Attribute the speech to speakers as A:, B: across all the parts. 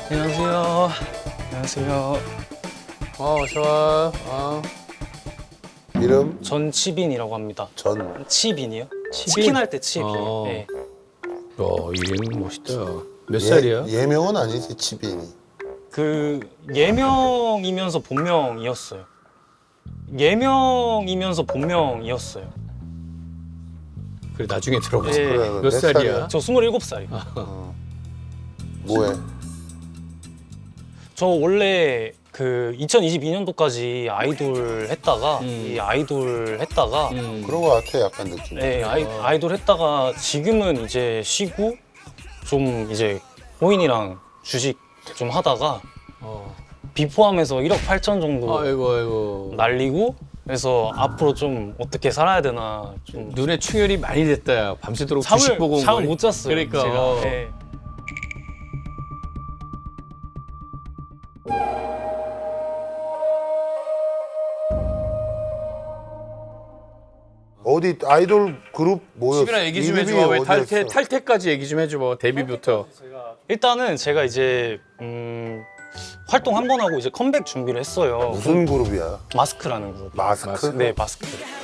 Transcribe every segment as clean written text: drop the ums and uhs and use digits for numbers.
A: 안녕하세요. 안녕하세요.
B: 좋아.
C: 이름?
A: 전치빈이라고 합니다.
C: 전.
A: 치빈이요? 치킨 할 때 치빈. 네.
B: 이름 멋있다. 몇 살이야?
C: 예명은 아니지, 치빈이.
A: 그 예명이면서 본명이었어요. 예명이면서 본명이었어요.
B: 그래 나중에 들어보자.
A: 네.
C: 그래,
B: 몇 살이야?
A: 저 27살이요.
C: 뭐해?
A: 저 원래 그 2022년도까지 아이돌 했다가 이 아이돌 했다가
C: 그런 거 같아, 약간 느낌.
A: 네, 아이돌 했다가 지금은 이제 쉬고 좀 이제 호인이랑 주식 좀 하다가 비 포함해서 1억 8천 정도
B: 아이고.
A: 날리고 그래서 앞으로 좀 어떻게 살아야 되나 좀
B: 눈에 충혈이 많이 됐다. 야. 밤새도록 주식 보고 온
A: 잠을
B: 거니?
A: 못 잤어요.
B: 그러니까.
A: 제가. 네.
C: 어디 아이돌 그룹 뭐였어?
B: 집이나 얘기 좀
C: 이름이
B: 해줘봐. 왜
C: 어디였어?
B: 탈퇴까지 얘기 좀 해줘봐. 데뷔부터.
A: 일단은 제가 이제 활동 한 번 하고 이제 컴백 준비를 했어요.
C: 무슨 그룹이야?
A: 마스크라는 그룹.
C: 마스크?
A: 네, 마스크.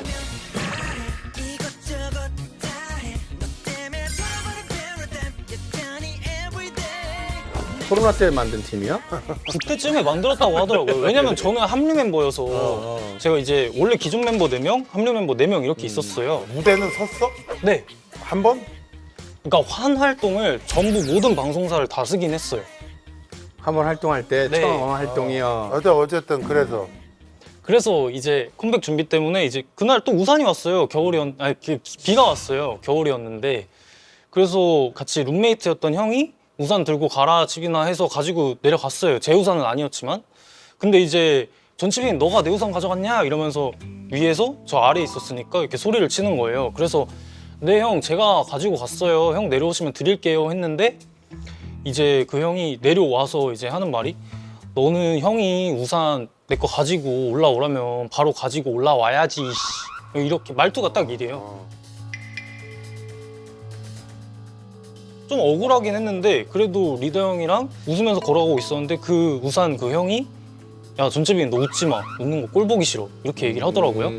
B: 코로나 때 만든 팀이야?
A: 그때쯤에 만들었다고 하더라고요. 왜냐면 저는 합류 멤버여서 제가 이제 원래 기존 멤버 4명, 합류 멤버 4명 이렇게 있었어요.
C: 무대는 섰어?
A: 네.
C: 한 번?
A: 그러니까 한 활동을 전부 모든 방송사를 다 쓰긴 했어요.
B: 한번 활동할 때
A: 네.
B: 처음 활동이요.
C: 어쨌든 그래서
A: 그래서 이제 컴백 준비 때문에 이제 그날 또 우산이 왔어요. 비가 왔어요. 겨울이었는데 그래서 같이 룸메이트였던 형이 우산 들고 가라 집이나 해서 가지고 내려갔어요. 제 우산은 아니었지만. 근데 이제 전치빈 너가 내 우산 가져갔냐 이러면서 위에서 저 아래에 있었으니까 이렇게 소리를 치는 거예요. 그래서 네 형 제가 가지고 갔어요. 형 내려오시면 드릴게요 했는데 이제 그 형이 내려와서 이제 하는 말이 너는 형이 우산 내 거 가지고 올라오라면 바로 가지고 올라와야지 이렇게 말투가 딱 이래요. 좀 억울하긴 했는데 그래도 리더 형이랑 웃으면서 걸어가고 있었는데 그 우산 그 형이 야 전채빈 너 웃지 마 웃는 거 꼴 보기 싫어 이렇게 얘기를 하더라고요.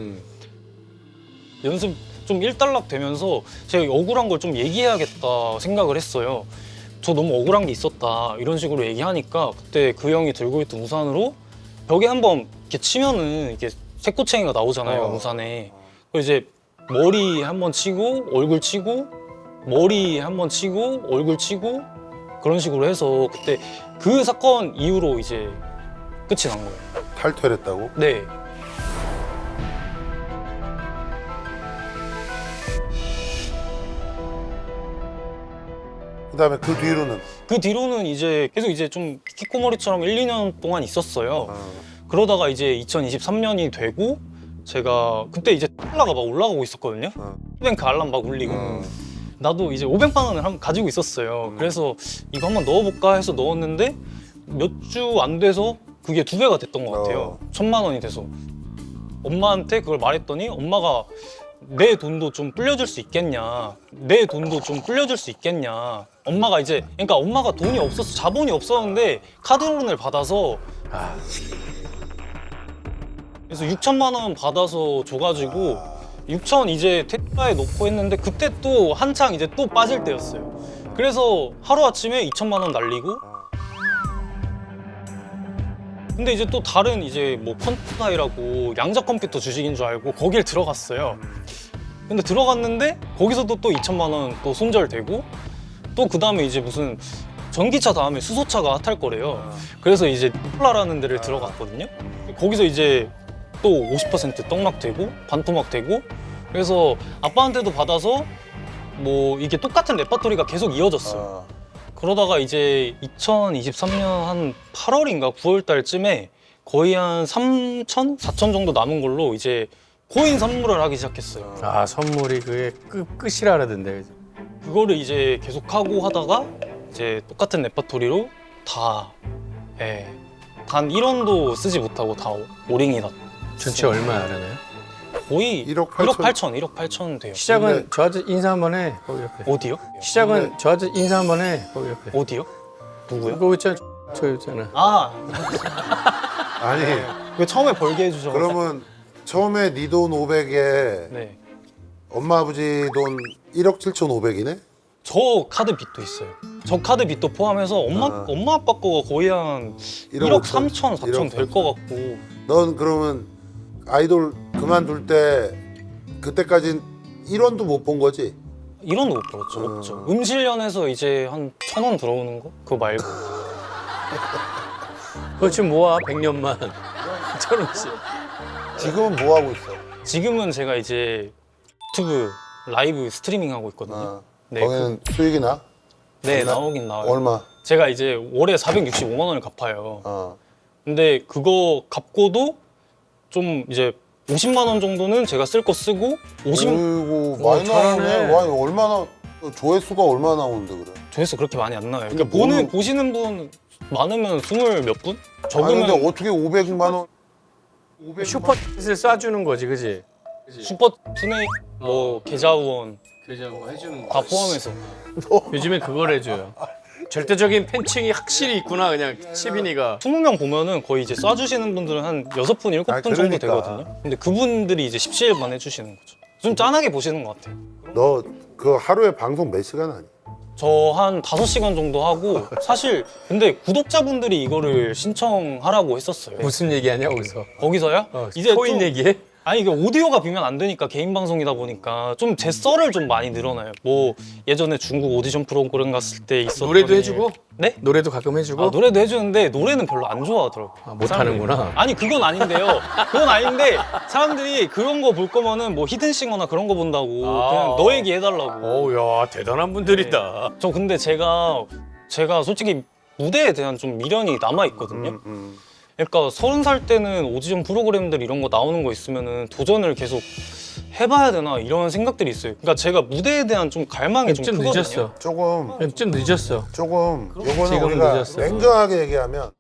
A: 연습 좀 일단락 되면서 제가 억울한 걸 좀 얘기해야겠다 생각을 했어요. 저 너무 억울한 게 있었다 이런 식으로 얘기하니까 그때 그 형이 들고 있던 우산으로 벽에 한번 이렇게 치면은 이게 새꼬챙이가 나오잖아요 우산에. 그래서 이제 머리 한번 치고 얼굴 치고 머리 한번 치고 얼굴 치고 그런 식으로 해서 그때 그 사건 이후로 이제 끝이 난 거예요.
C: 탈퇴를 했다고?
A: 네.
C: 그다음에 그 뒤로는
A: 그 뒤로는 이제 계속 이제 좀 키코머리처럼 1, 2년 동안 있었어요. 그러다가 이제 2023년이 되고 제가 그때 이제 콜라가 막 올라가고 있었거든요. 뱅크 알람 막 울리고 나도 이제 500만 원을 가지고 있었어요. 그래서 이거 한번 넣어볼까 해서 넣었는데 몇 주 안 돼서 그게 2배가 됐던 것 같아요. 1000만 원이 돼서 엄마한테 그걸 말했더니 엄마가 내 돈도 좀 불려줄 수 있겠냐, 내 돈도 좀 불려줄 수 있겠냐. 엄마가 이제 그러니까 엄마가 돈이 없어서 자본이 없었는데 카드론을 받아서 그래서 6천만 원 받아서 줘가지고 6천 이제 택배에 넣고 했는데 그때 또 한창 이제 또 빠질 때였어요. 그래서 하루아침에 2천만 원 날리고 근데 이제 또 다른 이제 뭐 펀타이라고 양자 컴퓨터 주식인 줄 알고 거길 들어갔어요. 근데 들어갔는데 거기서도 또 2천만 원 또 손절되고 또 그 다음에 이제 무슨 전기차 다음에 수소차가 핫할 거래요. 그래서 이제 콜라라는 데를 들어갔거든요. 거기서 이제 또 50% 떡락되고 반토막되고 그래서 아빠한테도 받아서 뭐 이게 똑같은 레파토리가 계속 이어졌어요. 그러다가 이제 2023년 한 8월인가 9월 달쯤에 거의 한 3천, 4천 정도 남은 걸로 이제 코인 선물을 하기 시작했어요.
B: 아 선물이 그게 끝이라 그러던데.
A: 그거를 이제 계속 하고 하다가 이제 똑같은 레파토리로 다 단 1원도 쓰지 못하고 다 오링이 났어요.
B: 전체 얼마 알아나요?
A: 거의
C: 1억
A: 1억 8천 돼요.
B: 시작은
C: 근데-
B: 저한테 인사 한번 해. 거기 옆에.
A: 어디요?
B: 시작은 저한테 인사 한번 해. 거기 옆에.
A: 어디요? 누구요?
B: 그거 있잖아. 저 여자는.
A: 아,
C: 아니
A: 왜 처음에 벌게 해주셔서.
C: 그러면 처음에 네 돈 500에
A: 네.
C: 엄마 아버지 돈 1억 7,500이네?
A: 저 카드 빚도 있어요. 저 카드 빚도 포함해서 엄마 아빠 거가 거의 한 1억 3천, 4천 될 것 같고.
C: 넌 그러면 아이돌 그만둘 때 그때까진 1원도 못 본 거지?
A: 1원도 못 벌었죠. 없죠. 음실련에서 이제 한 1,000원 들어오는 거? 그거 말고.
B: 그거 지금 모아 100년만. 1,000원씩.
C: 지금은 뭐 하고 있어?
A: 지금은 제가 이제 유튜브 라이브 스트리밍 하고 있거든요.
C: 어,
A: 네,
C: 거기는 수익이 나?
A: 네,
C: 나-
A: 나오긴 나와요.
C: 얼마?
A: 제가 이제 월에 465만 원을 갚아요.
C: 어.
A: 근데 그거 갚고도 좀 이제 50만 원 정도는 제가 쓸 거 쓰고 50
C: 어이구 많이
B: 잘하네.
C: 나오네. 와, 얼마나 조회수가 얼마나 나오는데 그래?
A: 조회수 그렇게 많이 안 나와요.
C: 근데
A: 그러니까
C: 뭐는-
A: 보시는 분 많으면 20 몇 분?
C: 아니
A: 적으면
C: 근데 어떻게 500만 원?
B: 슈퍼챗을 쏴주는 거지, 그지?
A: 슈퍼 투네 뭐 계좌 후원
B: 그죠, 뭐 해주는
A: 다 포함해서.
B: 요즘에 그걸 해줘요. 절대적인 팬층이 확실히 있구나, 그냥 치빈이가.
A: 20명 보면은 거의 이제 쏴주시는 분들은 한 6분, 7분
C: 아니,
A: 정도
C: 그러니까.
A: 되거든요. 근데 그분들이 이제 17만 해주시는 거죠. 좀 짠하게 보시는 것 같아요.
C: 너 그 하루에 방송 몇 시간 하니?
A: 저 한 5시간 정도 하고 사실 근데 구독자분들이 이거를 신청하라고 했었어요.
B: 무슨 얘기하냐, 거기서?
A: 거기서요?
B: 이제 코인
A: 좀-
B: 얘기해?
A: 아니 이게 오디오가 비면 안 되니까 개인 방송이다 보니까 좀 제 썰을 좀 많이 늘어나요. 뭐 예전에 중국 오디션 프로그램 갔을 때 있었던
B: 노래도
A: 일.
B: 해주고?
A: 네?
B: 노래도 가끔 해주고?
A: 아, 노래도 해주는데 노래는 별로 안 좋아하더라고요.
B: 아, 못하는구나.
A: 사람들이. 아니 그건 아닌데요. 그건 아닌데 사람들이 그런 거 볼 거면은 뭐 히든싱어나 그런 거 본다고 그냥 너 얘기 해달라고.
B: 어우, 야, 대단한 분들이다.
A: 저 근데 제가 솔직히 무대에 대한 좀 미련이 남아 있거든요. 그러니까 30살 때는 오디션 프로그램들 이런 거 나오는 거 있으면은 도전을 계속 해봐야 되나 이런 생각들이 있어요. 그러니까 제가 무대에 대한 좀 갈망이 좀
B: 좀
A: 크거든요.
B: 늦었어.
C: 조금
B: 늦었어.
C: 요거는
B: 지금
C: 우리가
B: 늦었어.
C: 냉정하게 얘기하면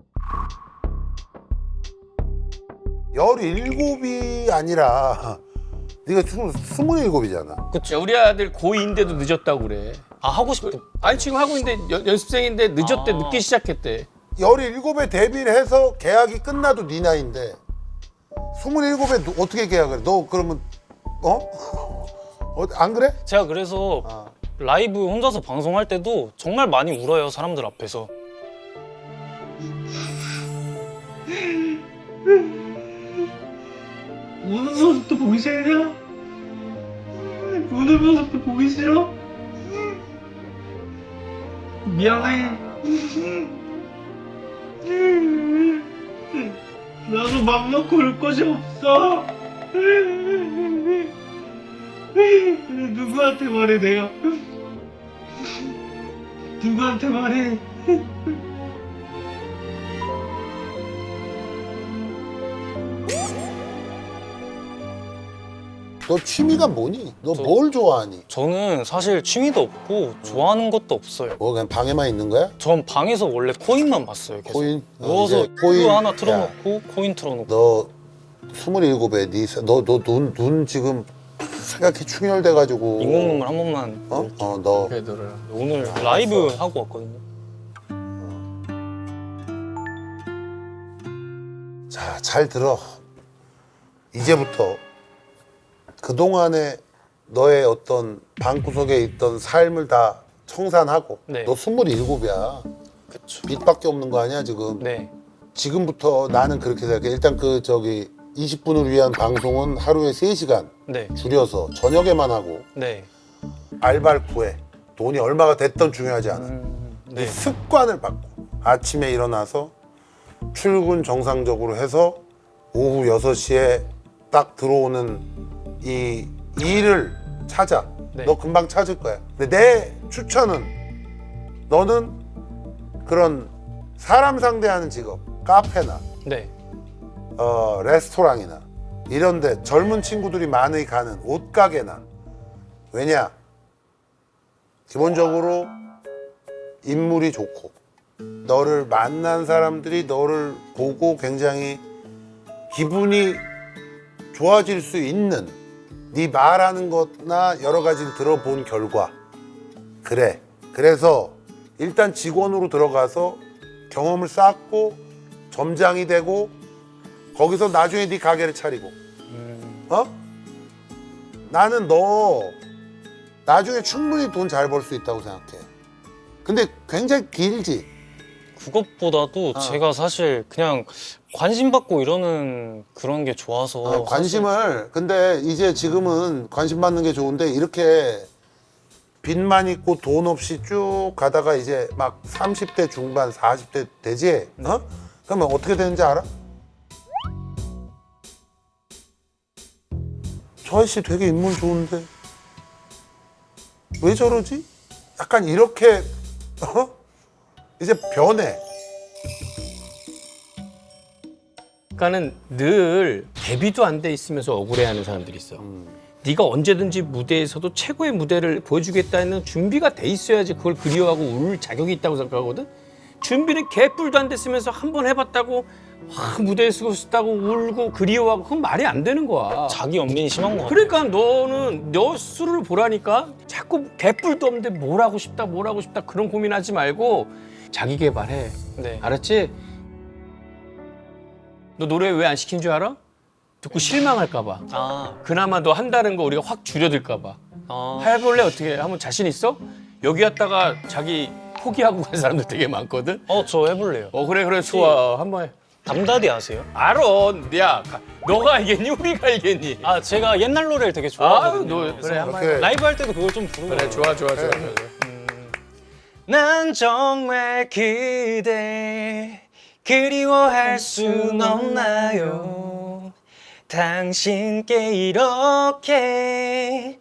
C: 17이 아니라 네가 27이잖아.
B: 야, 우리 아들 고2인데도 늦었다고 그래.
A: 아 하고 싶어.
B: 아니, 지금 하고 있는데 연습생인데 늦었대,
A: 아.
B: 늦게 시작했대.
C: 17에 데뷔를 해서 계약이 끝나도 네 나이인데 27에 어떻게 계약을 해? 너 그러면 안 그래?
A: 제가 그래서
C: 아.
A: 라이브 혼자서 방송할 때도 정말 많이 울어요, 사람들 앞에서.
D: 우는 모습도 보기 싫냐? 우는 모습도 보기 싫어? 미안해. 나도 맘 놓고 울 곳이 없어. 누구한테 말해 내가? 누구한테 말해?
C: 너 취미가 뭐니? 너 뭘 좋아하니?
A: 저는 사실 취미도 없고 좋아하는 것도 없어요.
C: 뭐 그냥 방에만 있는 거야?
A: 전 방에서 원래 코인만 봤어요. 계속.
C: 코인?
A: 누워서
C: 이제 코인.
A: 그거 하나
C: 야.
A: 틀어놓고 코인 틀어놓고.
C: 너 27에 너눈 지금 생각해 충혈돼가지고
A: 인공눈물 한 번만.
C: 너
B: 되더라.
A: 오늘 라이브 하고 왔거든요.
C: 자, 잘 들어. 이제부터 그동안에 너의 어떤 방구석에 있던 삶을 다 청산하고
A: 네.
C: 너 27이야.
A: 그쵸.
C: 빚밖에 없는 거 아니야, 지금?
A: 네.
C: 지금부터 나는 그렇게 생각해. 일단 20분을 위한 방송은 하루에 3시간
A: 네.
C: 줄여서 저녁에만 하고
A: 네.
C: 알바를 구해. 돈이 얼마가 됐던 중요하지 않아.
A: 네.
C: 이 습관을 바꿔. 아침에 일어나서 출근 정상적으로 해서 오후 6시에 딱 들어오는 이 일을 찾아.
A: 네.
C: 너 금방 찾을 거야. 근데 내 추천은 너는 그런 사람 상대하는 직업, 카페나
A: 네.
C: 레스토랑이나 이런데 젊은 친구들이 많이 가는 옷가게나 왜냐? 기본적으로 인물이 좋고 너를 만난 사람들이 너를 보고 굉장히 기분이 좋아질 수 있는 네 말하는 것나 여러 가지를 들어본 결과 그래. 그래서 일단 직원으로 들어가서 경험을 쌓고 점장이 되고 거기서 나중에 네 가게를 차리고 어? 나는 너 나중에 충분히 돈 잘 벌 수 있다고 생각해. 근데 굉장히 길지.
A: 그것보다도 제가 사실 그냥 관심 받고 이러는 그런 게 좋아서
C: 관심을 근데 이제 지금은 관심 받는 게 좋은데 이렇게 빚만 있고 돈 없이 쭉 가다가 이제 막 30대 중반 40대 되지? 어? 그러면 어떻게 되는지 알아? 저 아저씨 되게 인물 좋은데 왜 저러지? 약간 이렇게 어? 이제 변해.
B: 그러니까는 늘 데뷔도 안 돼 있으면서 억울해하는 사람들이 있어. 네가 언제든지 무대에서도 최고의 무대를 보여주겠다는 준비가 돼 있어야지 그걸 그리워하고 울 자격이 있다고 생각하거든. 준비는 개뿔도 안 됐으면서 한 번 해봤다고 무대에 서고 싶다고 울고 그리워하고 그건 말이 안 되는 거야.
A: 자기 연민이 심한 것 같아요.
B: 그러니까 너는 너 스스로를 보라니까 자꾸 개뿔도 없는데 뭘 하고 싶다 그런 고민하지 말고 자기 개발해.
A: 네.
B: 알았지? 너 노래 왜 안 시킨 줄 알아? 듣고 실망할까 봐.
A: 아,
B: 그나마 너 한다는 거 우리가 확 줄여들까 봐. 해볼래? 어떻게? 한번 자신 있어? 여기 왔다가 자기 포기하고 간 사람들 되게 많거든?
A: 저 해볼래요.
B: 그래 좋아. 한번 해.
A: 담다디 아세요?
B: 알아. 야, 너가 알겠니? 우리가 알겠니?
A: 아, 제가 옛날 노래를 되게
B: 아유,
A: 좋아하거든요.
B: 너
A: 그래서
B: 그래 한번
C: 이렇게
B: 해.
A: 라이브 할 때도 그걸 좀 부르고.
B: 그래 좋아.
A: 난 정말 그대 그리워할 순 없나요? 당신께 이렇게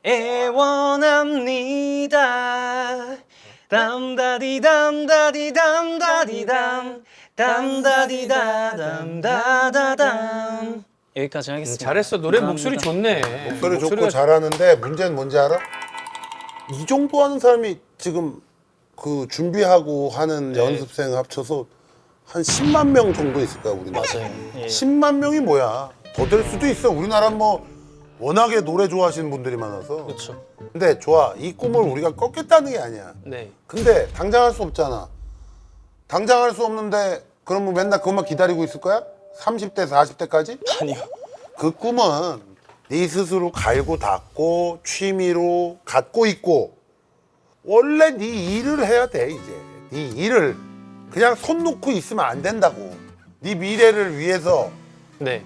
A: 애원합니다. 담다디 담다디 담다디담 담다디다 담다다담 여기까지 하겠습니다.
B: 잘했어. 노래
A: 감사합니다.
B: 목소리 좋네.
C: 목소리 좋고
B: 목소리가
C: 잘하는데 문제는 뭔지 알아? 이 정도 하는 사람이 지금 그 준비하고 하는
A: 네.
C: 연습생 합쳐서 한 10만 명 정도 있을 거야 우리나라.
A: 맞아요. 예.
C: 10만 명이 뭐야? 더 될 수도 있어. 우리나라 뭐 워낙에 노래 좋아하시는 분들이 많아서.
A: 그렇죠.
C: 근데 좋아. 이 꿈을 우리가 꺾겠다는 게 아니야.
A: 네.
C: 근데 당장 할 수 없잖아. 당장 할 수 없는데 그럼 뭐 맨날 그것만 기다리고 있을 거야? 30대, 40대까지?
A: 아니요.
C: 그 꿈은 네 스스로 갈고 닦고 취미로 갖고 있고 원래 네 일을 해야 돼 이제. 네 일을 그냥 손 놓고 있으면 안 된다고. 네 미래를 위해서.
A: 네.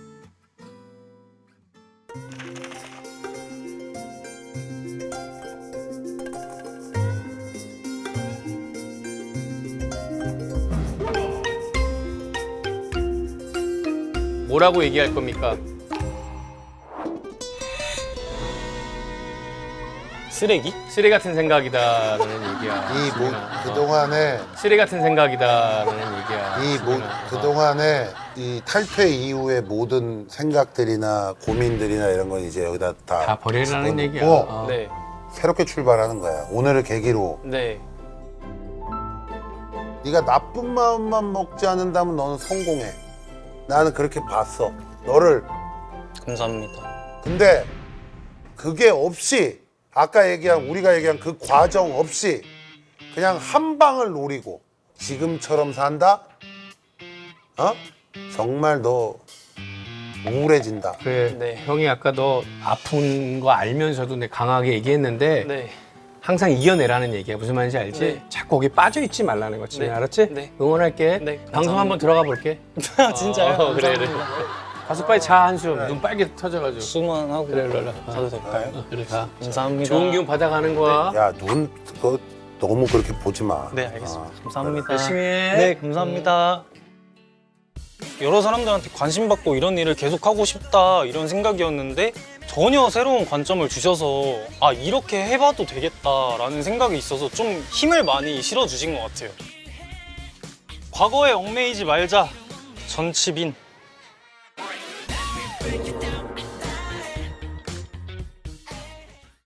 B: 뭐라고 얘기할 겁니까?
A: 쓰레기?
B: 쓰레기 같은 생각이다라는 얘기야.
C: 그동안에
B: 쓰레기 같은 생각이다라는 얘기야.
C: 그동안에 이 탈퇴 이후의 모든 생각들이나 고민들이나 이런 건 이제 여기다
B: 다 버리라는
C: 집어넣고
B: 얘기야. 어.
A: 네.
C: 새롭게 출발하는 거야. 오늘을 계기로.
A: 네.
C: 네가 나쁜 마음만 먹지 않는다면 너는 성공해. 나는 그렇게 봤어. 너를.
A: 감사합니다.
C: 근데 그게 없이 아까 우리가 얘기한 그 과정 없이 그냥 한 방을 노리고 지금처럼 산다? 어? 정말 너 우울해진다.
B: 그래.
A: 네.
B: 형이 아까 너 아픈 거 알면서도 내 강하게 얘기했는데
A: 네.
B: 항상 이겨내라는 얘기야. 무슨 말인지 알지?
A: 네.
B: 자꾸 거기 빠져 있지 말라는 거지.
A: 네.
B: 알았지?
A: 네.
B: 응원할게.
A: 네,
B: 방송
A: 감사합니다.
B: 한번 들어가 볼게.
A: 진짜요?
B: 그래.
A: 감사합니다.
B: 가서 빨리 자 한숨. 눈 빨개 터져가지고.
A: 수만 하고
B: 그래, 일로 와.
A: 가도 될까요?
B: 그래 가.
A: 감사합니다.
B: 좋은 기운 받아가는 거야.
C: 야, 눈 그거 너무 그렇게 보지 마.
A: 네, 알겠습니다. 감사합니다.
B: 열심히 해.
A: 네, 감사합니다. 여러 사람들한테 관심 받고 이런 일을 계속 하고 싶다 이런 생각이었는데 전혀 새로운 관점을 주셔서 아 이렇게 해봐도 되겠다라는 생각이 있어서 좀 힘을 많이 실어주신 것 같아요. 과거에 얽매이지 말자. 전치빈.